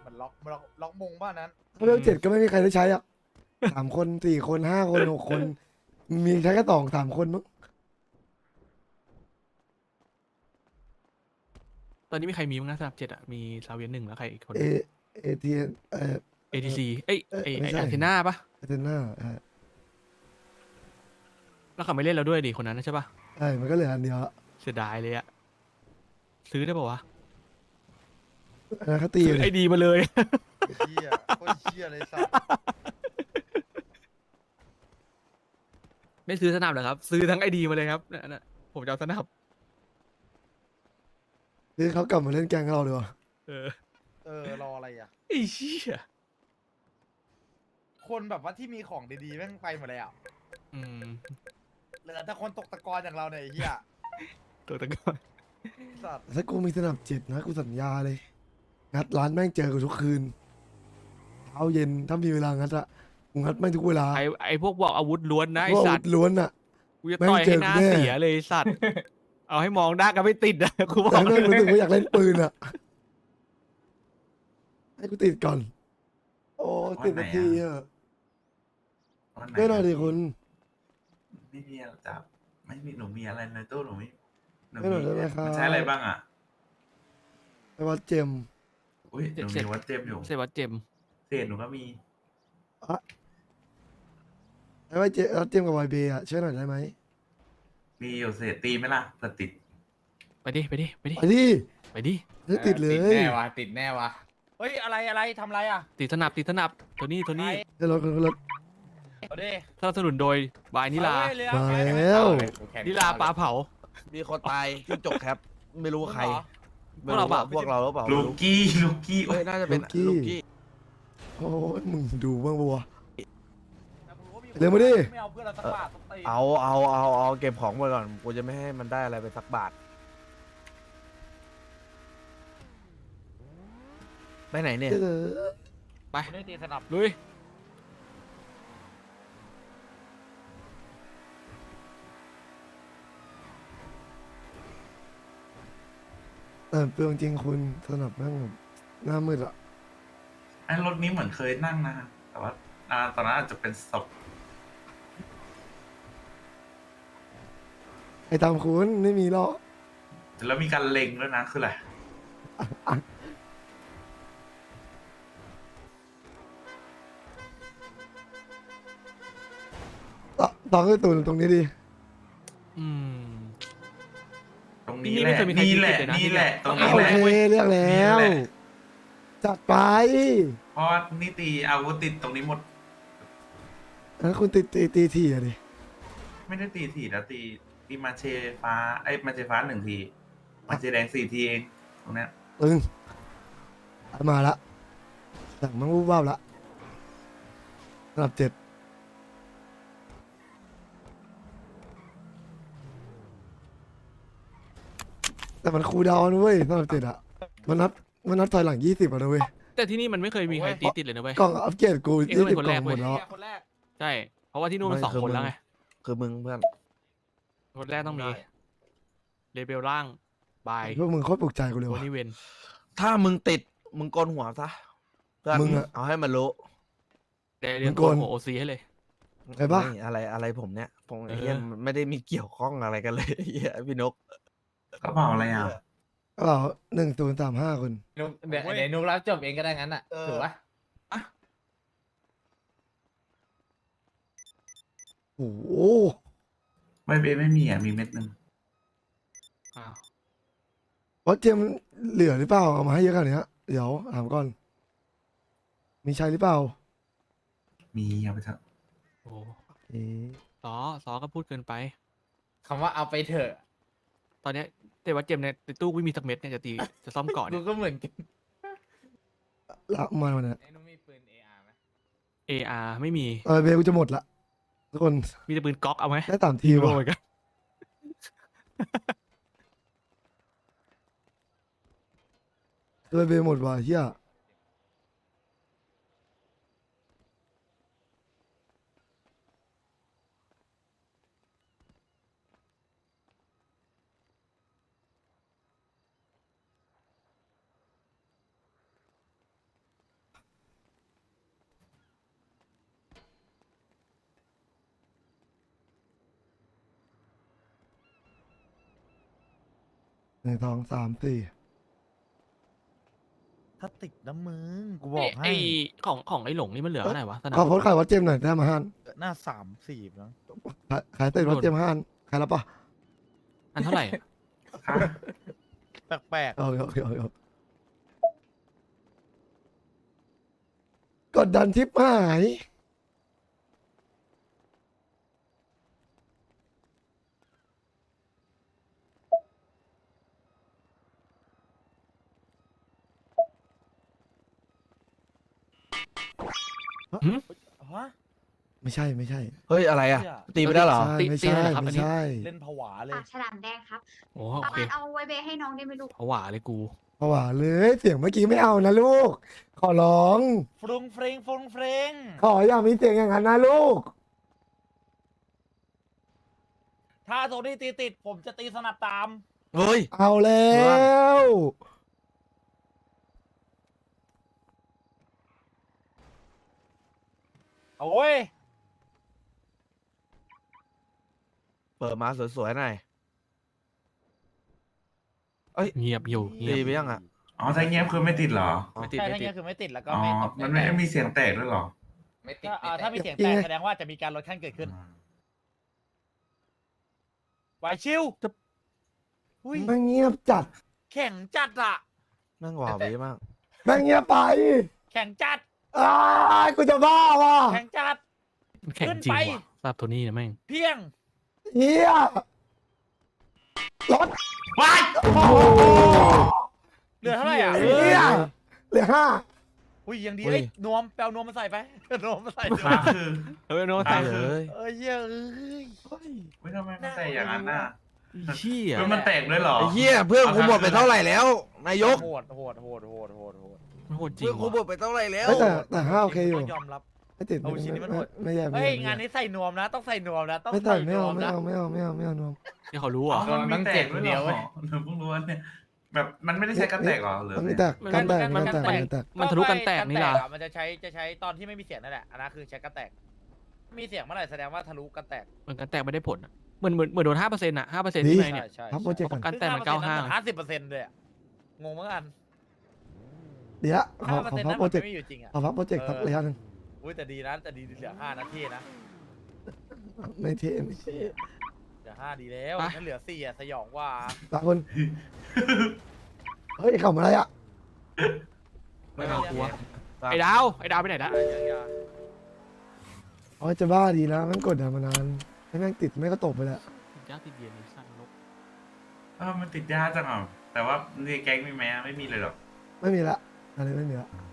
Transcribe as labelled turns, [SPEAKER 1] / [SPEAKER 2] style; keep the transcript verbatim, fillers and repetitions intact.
[SPEAKER 1] มือนล็อกล็อกล็อกมงบ้านนั้น
[SPEAKER 2] ถ้าเวลเจ็ดก็ไม่มีใครได้ใช้อ่ะสามคนสี่คนห้าคนหกคน มีใช้แค่สองสามคนมั้ง
[SPEAKER 3] ตอนนี้มีใครมีบ้างนะสนับเจ็ดอ่ะมีซาเวียนหนึ่งแล้วใครอีกคน
[SPEAKER 2] เอเอทีเออ
[SPEAKER 3] เอทีซีเอ้ย
[SPEAKER 2] เอ้ย
[SPEAKER 3] ไอ
[SPEAKER 2] ไม่
[SPEAKER 3] ไอ
[SPEAKER 2] ใช่
[SPEAKER 3] อาร์เทน่าปะ
[SPEAKER 2] อาเทน่าเออ
[SPEAKER 3] แล้วเขาไม่เล่นแล้วด้วยดิคนนั้นนะใช่ปะ
[SPEAKER 2] ใช่มันก็เหลืออันเดียวละ
[SPEAKER 3] เสียดายเลยอะซื้อได้ปะวะ
[SPEAKER 2] อันนั้นเขาตี
[SPEAKER 3] ซื้อ
[SPEAKER 2] เล
[SPEAKER 3] ไอย ดีมาเลย
[SPEAKER 1] เชี่ยโคตรเชี่ยเลยสัตว์
[SPEAKER 3] ไม่ซื้อสนับเหรอครับ ซื้อทั้งไอดีมาเลยครับนั่นน่ะผมจะเอาสนับ
[SPEAKER 2] คือเขากลับมาเล่นแกงกับเราดีกว่า
[SPEAKER 3] เออ
[SPEAKER 1] เออรออะไรอ่ะ
[SPEAKER 3] ไอ้เชี่ย
[SPEAKER 1] คนแบบว่าที่มีของดีๆแม่งไปหมดแล้ว
[SPEAKER 3] อืม
[SPEAKER 1] เหลือแต่คนตกตะกอนอย่างเราเนี่ยไอ้เหี้ย
[SPEAKER 3] ตัวตะกอน
[SPEAKER 1] สัตว์
[SPEAKER 2] ถ้ากูมีสนับเจ็ดนะกูสัญญาเลยงัดร้านแม่งเจอกูทุกคืนเช้าเย็นถ้ามีเวลางัดอะกูงัดแม่งทุกเวลา
[SPEAKER 3] ไอไอพวกบอกอาวุธล้วนนะไอ
[SPEAKER 2] เพราะอา
[SPEAKER 3] สั
[SPEAKER 2] วุ
[SPEAKER 3] ต
[SPEAKER 2] ธ
[SPEAKER 3] ว์
[SPEAKER 2] ล้วนอะ
[SPEAKER 3] กูจะต่อยให้หน้า
[SPEAKER 2] แม่งเจอกูแน่
[SPEAKER 3] เสียเลยไอ้สัตว์ เอาให้มองหน้ากันไม่ติดอะกูบอก
[SPEAKER 2] แต่แม่งรู้สึก
[SPEAKER 3] เลย
[SPEAKER 2] ว่าอยากเล่นปืนอะให้กูติดก่อน โอ้ติดนาทีอะ
[SPEAKER 4] วันไหน
[SPEAKER 2] ด้วยหน่อยดิคุณ
[SPEAKER 4] ไม่มีอะไรจับไม่มีหนูมีอะไรในตู้หนูมีหนู
[SPEAKER 2] ไม่หน่อยได้ไหมครับ
[SPEAKER 4] มันใช้อะไรบ้างอ่ะ
[SPEAKER 2] ไปวัดเจม
[SPEAKER 4] อุ้ยหนูมีวัดเจมอยู่
[SPEAKER 3] เซวัตเจม
[SPEAKER 4] เศษหนูก็มี
[SPEAKER 2] ไปวัดเจมวัดเจมกับวายเบย์อะช่วยหน่อยได้ไหม
[SPEAKER 4] มีอยู่เศษตีไหมล่ะเผื่อติด
[SPEAKER 3] ไปดิไปดิไปดิ
[SPEAKER 2] ไปดิ
[SPEAKER 3] ไปดิ
[SPEAKER 2] ไม่ติดเลย
[SPEAKER 5] ติดแน่วะติดแน่วะเฮ้ยอะไรอะไรทำอะไรอ่ะ
[SPEAKER 3] ติดสนับติดสนับตัวนี้ตัวนี้
[SPEAKER 2] ขึ้นรถขึ้นรถ
[SPEAKER 5] เอาดิ
[SPEAKER 3] สนับสนุนโดยบายนิลา
[SPEAKER 5] เอเรือ
[SPEAKER 2] มา
[SPEAKER 5] ไป
[SPEAKER 2] แล้ว
[SPEAKER 3] นิลาปลาเผา
[SPEAKER 6] มีคนตายจิ้งจกแคปไม่รู้ว่าใคร
[SPEAKER 3] พวกเราเปล่า
[SPEAKER 6] พวกเราหรือเปล่า
[SPEAKER 4] ลูกกี้ลูกกี้
[SPEAKER 6] เอ้ยน่าจะเป็นลูกกี้
[SPEAKER 2] โอ้ยมึงดูบ้างบัว
[SPEAKER 5] แต่ผมว่า
[SPEAKER 2] เร็วมาดิ
[SPEAKER 5] ไม่เอาเพื่อนเราสักบาทสักตี
[SPEAKER 6] เอาเอาเอาเอาเก็บของไว้ก่อนกูจะไม่ให้มันได้อะไรไปสักบาทไปไหนเนี่ย
[SPEAKER 2] เออ
[SPEAKER 3] ไป
[SPEAKER 5] คนนี้ตีสนับ
[SPEAKER 3] ลุย
[SPEAKER 2] แต่เปลืองจริงคุณสนับแม่งแบบหน้ามืดอะ
[SPEAKER 4] ไอ้รถนี้เหมือนเคยนั่งนะแต่ว่าอ่าตอนนั้นอาจจะเป็นศพ
[SPEAKER 2] ไอ้ตามคุณไม่มีหรอก
[SPEAKER 4] แล้วมีการเล็งด้วยนะคืออะไร
[SPEAKER 2] ต่อต่อขึ้นตูนตรงนี้ดี
[SPEAKER 3] อืม
[SPEAKER 4] ตรงนี้
[SPEAKER 3] นี่
[SPEAKER 4] แห
[SPEAKER 3] ไม่
[SPEAKER 4] ละ
[SPEAKER 3] เคยมีใคร
[SPEAKER 4] นี่แหละ
[SPEAKER 3] ติดเลยนะ
[SPEAKER 4] นี่แหละตรง
[SPEAKER 3] นี่
[SPEAKER 4] นี้
[SPEAKER 2] โอ
[SPEAKER 4] แหละ
[SPEAKER 2] เคเรียกแล้ว
[SPEAKER 4] นี่แหละ
[SPEAKER 2] จัดไป
[SPEAKER 4] เพราะว่านี่ตีอาวุธติดตรงนี้หมด
[SPEAKER 2] แล้วคุณตีตีตีทีอะดิ
[SPEAKER 4] ไม่ได้ตีถีแล้วตีตีมาเชฟ้าไอ้ยมาเชฟ้าหนึ่งทีมาเชแดงสี่ทีเองตรงเนี้ย
[SPEAKER 2] ตึงมาละสั่งมังวูบวาบละระดับเจ็ดแต่มันคูลดาวน์นะเว้ยระดับเจ็ดอะมันนับมันนับถอยหลังยี่สิบอะนะเว้ย
[SPEAKER 3] แต่ที่นี่มันไม่เคยมีใครตีติดเลยนะเว้ย
[SPEAKER 2] กล่องอัปเกรดกู
[SPEAKER 3] เอ็ง
[SPEAKER 2] ยี่
[SPEAKER 3] เป็
[SPEAKER 2] สิบ
[SPEAKER 3] นคน
[SPEAKER 2] ก
[SPEAKER 3] แร
[SPEAKER 2] ล่อก งหมด
[SPEAKER 3] เว้ย
[SPEAKER 2] แล้ว
[SPEAKER 5] คนแรก
[SPEAKER 3] ใช่ เพราะว่าที่นู่นมันสองคนแล้วไง
[SPEAKER 6] คือมึงเพื่อน
[SPEAKER 3] คนแรกต้องมีเลเบลล่างบาย
[SPEAKER 2] พวกมึงโคตรปลุกใจกูเลย
[SPEAKER 3] โอ
[SPEAKER 2] ว่ะ
[SPEAKER 3] นิเวน
[SPEAKER 6] ถ้ามึงติดมึงโกนหัวซะเพื่อน
[SPEAKER 2] มึงอะ
[SPEAKER 6] เอาให้มันรู้
[SPEAKER 3] เดี๋ยวเรีย
[SPEAKER 2] มึ
[SPEAKER 3] น
[SPEAKER 2] ง
[SPEAKER 3] โก
[SPEAKER 2] โกน
[SPEAKER 3] นหัวโอซีให้เลย
[SPEAKER 2] ไงปะ
[SPEAKER 6] ไม่อะไรอะไรผมเนี่ยผม
[SPEAKER 3] เออ
[SPEAKER 6] เฮียมันไม่ได้มีเกี่ยวข้องอะไรกันเลยเฮียพี่นก
[SPEAKER 4] กระเป๋าอะไรอ่ะ
[SPEAKER 2] กระเป๋าหนึ่งศูนย์สามห้าคน
[SPEAKER 5] นุกเดี๋ยวเดี๋ยวนุกรับจบเองก็ได้งั้นอ่ะถูกปะ
[SPEAKER 2] โอ้โห
[SPEAKER 4] ไม่เบไม่มีอ่ะมีเม็ดหนึ่ง
[SPEAKER 3] อ้าว
[SPEAKER 2] วัดเจมส์เหลือหรือเปล่าเอามาให้เยอะขนาดเนี้ยเดี๋ยวถามก่อน มีใช้หรือเปล่า
[SPEAKER 4] มีเอาไปเถอะ
[SPEAKER 3] โอ้
[SPEAKER 2] เอ๊ะ
[SPEAKER 3] ซอซอก็พูดเกินไป
[SPEAKER 5] คำว่าเอาไปเถอะ
[SPEAKER 3] ตอนเนี้ยแต่ว่าเจมส์ในในตู้ไม่มีสักเม็ดเนี่ยจะตีจะซ่อมเกาะ
[SPEAKER 5] กู
[SPEAKER 3] เนี่ย
[SPEAKER 5] ก็เหมือนกัน
[SPEAKER 2] ละมาวันเนี้ย
[SPEAKER 5] ไอ้นุกมีปืน เอ อาร์ ไหม
[SPEAKER 3] เออาร์ไม่มี
[SPEAKER 2] เออเบลกูจะหมดละทุกคน
[SPEAKER 3] มีแต่ปืนก๊อกเอาไหม
[SPEAKER 2] ได้ตามที
[SPEAKER 3] โร
[SPEAKER 2] ว่ะ
[SPEAKER 3] ยกัน
[SPEAKER 2] เออเบลหมดว่ะเฮียนึ่งสองสามสี่
[SPEAKER 1] ถ้าติดน้ำมึงกูบอก
[SPEAKER 3] ไอ้
[SPEAKER 1] ให้
[SPEAKER 3] ของของไอ้หลงนี่มันเหลือเท่าไหร่วะสนาม
[SPEAKER 2] ขอโพสต์ขายวัดเจมส์หน่อยได้มาห้าน
[SPEAKER 1] หน้าสามสี่นะ
[SPEAKER 2] ขายขายเต็มวัดเจมส์ห้านขายแล้วปะ
[SPEAKER 3] อันเท่าไหร่อะ
[SPEAKER 4] ค่ะ
[SPEAKER 1] แปลก
[SPEAKER 2] โอเคโอเคโอเคโอเคกดดันทิปหาย
[SPEAKER 1] ๆฮะ
[SPEAKER 2] ไม่ใช่ไม่ใช่
[SPEAKER 6] เฮ้ยอะไรอ่ะ
[SPEAKER 1] เหี้ย
[SPEAKER 6] ตีไปได้เหรอ
[SPEAKER 2] ใช่ไม่
[SPEAKER 3] ตี
[SPEAKER 2] ใช่
[SPEAKER 3] ตีเลยเหรอครับอั
[SPEAKER 2] ไม่
[SPEAKER 3] นนี้
[SPEAKER 2] ใช่
[SPEAKER 1] เล่นผวาเลย
[SPEAKER 7] ปากฉลามแดงครับ
[SPEAKER 3] โอ้
[SPEAKER 7] ป
[SPEAKER 3] โอ
[SPEAKER 7] ระ
[SPEAKER 3] เค
[SPEAKER 7] มาณเอาไว้เบให้น้องได้ไหมลูก
[SPEAKER 3] ผวาเลยกู
[SPEAKER 2] เพราะว่าเลยเสียงเมื่อกี้ไม่เอานะลูก ขอร้อง
[SPEAKER 1] ฟรุงเฟรงฟรุงเฟรง
[SPEAKER 2] ขออย่ามีเสียงอย่างนั้นนะลูก
[SPEAKER 1] ถ้าโทนี่ตีติด ผมจะตีสนับตาม
[SPEAKER 6] เฮ้ย
[SPEAKER 2] เอาแล้ว
[SPEAKER 1] โอ้ย
[SPEAKER 6] เปิดมาสวยๆหน่อย
[SPEAKER 3] เงียบอยู่เงีย
[SPEAKER 6] ตี
[SPEAKER 3] บ
[SPEAKER 6] ไปยังอ่ะ
[SPEAKER 4] อ๋อถ้าเงียบคือไม่ติดเหรอ
[SPEAKER 3] ไม่ติด
[SPEAKER 1] ใช่
[SPEAKER 3] ไม่
[SPEAKER 1] ถ้า
[SPEAKER 3] ติ
[SPEAKER 1] เงี้
[SPEAKER 3] ด
[SPEAKER 1] ยคือไม่ติดแล้วก็
[SPEAKER 4] อ๋อ
[SPEAKER 1] ไม่ตก
[SPEAKER 4] มันไม่มีเสียงแตกด้วยเหรอ
[SPEAKER 5] ไม่ติด
[SPEAKER 1] ถ้าอ่า
[SPEAKER 5] ไม่
[SPEAKER 1] ถ้า
[SPEAKER 5] แตะ
[SPEAKER 1] มีเสียงแตกแสดงว่าจะมีการลดขั้นเกิดขึ้นไหวชิวอุ้ย
[SPEAKER 2] แม่งเงียบจัด
[SPEAKER 1] แข่งจัดอะ
[SPEAKER 6] แม่งหวาวีมาก
[SPEAKER 2] แม่งเงียบไป
[SPEAKER 1] แข่งจัด
[SPEAKER 2] อ้ายกูจะบ้าว่ะ
[SPEAKER 1] แข่งจัด
[SPEAKER 3] มันแข็ง
[SPEAKER 1] ขึ้น
[SPEAKER 3] จริง
[SPEAKER 1] ไป
[SPEAKER 3] ว่ะสำหรับโทนี่นะแม่ง
[SPEAKER 1] เพียง
[SPEAKER 2] เฮียรถ
[SPEAKER 4] ว้าย
[SPEAKER 2] โอ้โห
[SPEAKER 1] เหลือเท่าไหร่อ่ะ
[SPEAKER 2] เฮียเหลือห้า
[SPEAKER 1] อุ้ยยังดี
[SPEAKER 6] เฮ้
[SPEAKER 1] เอ้
[SPEAKER 6] ย
[SPEAKER 1] ยนวมแปลนวมมาใส่ไป นวมมาใส่ด้วย
[SPEAKER 4] ฟ้าคือ
[SPEAKER 3] เฮ้ยโน้ต
[SPEAKER 4] ตา
[SPEAKER 3] ตาย
[SPEAKER 4] ย
[SPEAKER 6] เลย
[SPEAKER 1] เอ้ยเหี้ยเอ้ย
[SPEAKER 4] เฮ้ยทำไมมันแตกอย่างนั้นน่ะ
[SPEAKER 3] เชี่ย
[SPEAKER 4] เฮ้ยมันแตกด้วยเหรอ
[SPEAKER 6] ไอ้เหี้ยเพื่อนกูหมดไปเท่าไหร่แล้ว นายก
[SPEAKER 1] โหดโหดโหดโหดโหดโหด
[SPEAKER 3] มันโหดจริ
[SPEAKER 6] เพื่
[SPEAKER 3] ง
[SPEAKER 6] อนกูหม
[SPEAKER 3] ว่ะ
[SPEAKER 6] ดไปเท่าไหร่แล้ว
[SPEAKER 2] เฮ้ยแต่แต่ห้าโอเคอยู่
[SPEAKER 1] ต้องยอมรับ
[SPEAKER 2] ไม่ติด
[SPEAKER 1] เอาชิ้นนี้มันโหด
[SPEAKER 2] ไม่แย่ไม่
[SPEAKER 1] เฮ้ย
[SPEAKER 2] แย่
[SPEAKER 1] งานนี้ใส่นวมนะ ต้องใส่นวมนะ ต้อง
[SPEAKER 2] ไม่ใส่
[SPEAKER 1] ใส่
[SPEAKER 2] ไม่
[SPEAKER 1] น
[SPEAKER 2] เอา
[SPEAKER 1] วม
[SPEAKER 2] ไม่
[SPEAKER 1] นะ
[SPEAKER 2] เอาไม่เอาไม่เอาไม่เอานวม
[SPEAKER 3] ที่เขารู้
[SPEAKER 4] อ๋
[SPEAKER 3] อ่ะ
[SPEAKER 4] อมันมีแตกด้วยเหรอหรือเพิ่งรู้ว่าเนี่ยแบบมันไม่ได้ใช้กันแตกเหรอหรือ
[SPEAKER 2] มันไม่
[SPEAKER 4] ไง
[SPEAKER 2] แตกกันแตกมันกันแตกมันกันแตก
[SPEAKER 3] มันทะลุกันแตกนี่ล่ะ
[SPEAKER 1] มันจะใช้จะใช้ตอนที่ไม่มีเสียงนั่นแหละอันนั้นคือใช้กันแตก มีเสียงเมื่อไหร่แสดงว่าทะลุกันแตก
[SPEAKER 3] เหมือนกันแตกไม่ได้ผลอะเหมือนเหมือนเหมือนโดนห้าเปอร์เซ็นต์อะห้าเปอร์เซ็นต์
[SPEAKER 2] ดี
[SPEAKER 3] ที่ไหนเนี่ย
[SPEAKER 1] ใช่
[SPEAKER 2] ครับโปรเจกต์ก่อน
[SPEAKER 3] กันแตกมันเก้าห้า
[SPEAKER 1] ห้าสิบเปอร์เซ็นต์เลยอะงงเหมือนกัน
[SPEAKER 2] เดี๋ยวขอ
[SPEAKER 1] ห้า
[SPEAKER 2] ข
[SPEAKER 1] เปอร์
[SPEAKER 2] อ
[SPEAKER 1] เซ็นต์
[SPEAKER 2] พัก
[SPEAKER 1] นั้น
[SPEAKER 2] โปร
[SPEAKER 1] มัน
[SPEAKER 2] เจกต์
[SPEAKER 1] ไม่อยู่จริงอะ
[SPEAKER 2] ขอพักโปรเจกต์สักระยะหนึ่ง
[SPEAKER 1] อุ้ยแต่ดีนะแต่ดีเหลือห้านาทีนะ
[SPEAKER 2] ไม่เท่ไม่เท่
[SPEAKER 1] เหลือห้าดีแล้วนั่นเหลือสี่อะสยองกว่า
[SPEAKER 2] ตาคนเฮ้ยขำอะไรอ่ะ
[SPEAKER 3] ไม่เอากลัวไอ้ดาวไอ้ดาวไปไหนละ
[SPEAKER 1] อย่า
[SPEAKER 2] อ๋อจะบ้าดีนะมันกดดันมานานให้แม่งติดไม่ก็ตกไปแล้ว
[SPEAKER 3] ยากติดเย็นในสั้นลก
[SPEAKER 4] เออมันติดยากจังอ่ะแต่ว่าในแก๊งมีไหมไม่มีเลยหรอก
[SPEAKER 2] ไม่มีละอะไรไม่มีละ
[SPEAKER 4] อืม